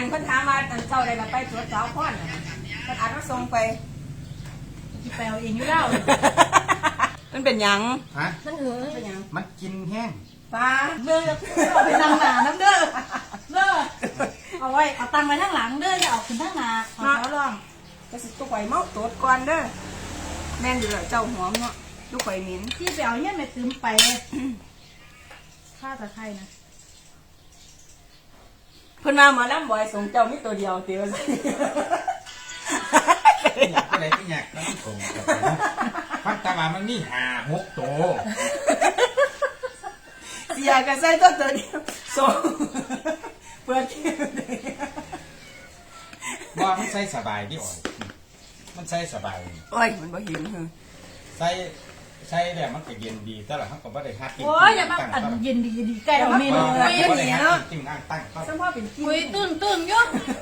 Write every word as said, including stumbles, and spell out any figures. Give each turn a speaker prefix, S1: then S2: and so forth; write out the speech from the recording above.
S1: นเพิ่นถามว่าอันเช้าได้ละไปตรวจสาวพ่อนเพิ่นอาจมาส่งไป
S2: ที่ไปเอาเองอยู่แล้ว
S1: มันเป็นหยัง
S3: ฮะ
S2: มันเหือ
S1: เป็นหยัง
S3: มันกินแห้ง
S1: ปลา
S2: เด้อเอาไปนั่งหนาน้ำเด้อเด้อเอาไว้เอาตังไว้ข้างหลังเด้ออย่าเอาขึ้นข้างหน้าขอเขาลอง
S1: ก็สิตุกไข่เมาตรวจก่อนเด้อแม่นอยู่แล้วเจ้าหอมเนาะตุกไข่เหม็น
S2: ที่ไปเอาเนี่ยไม่ตื้มไปข้าตะไคร่นะ
S1: เพิ่นมาหมอลำบ่อยส่งเจ้ามีตัวเดียวเตียวสิ
S3: อยากอะไรก็อยากแล้วมันโกงพันตาบามันมีหาหกโต
S1: เสียก็ใส่ตัวตัวเดียวส่งเปิดที่
S3: ว่ามันใส่สบายที่อ่อนมันใส่สบาย
S1: โอ้ยมันบ่เห็นเหรอ
S3: ใส่ใส่แล้วมันก็เย็นดีแต่ละเขาก็ไม่ได้ฮัดกิน
S2: โอ้ยอย่ามาอันเย็นดีเย็นดีใกล้เราเมนู
S3: ไม่
S2: เย็น
S3: ได้
S2: ดี
S3: ฮัด
S2: เนาะ
S3: กินอ่างตั้ง
S1: สมพ่อเป็นกิน
S2: คุยตึ้งตึ้งยุ่ง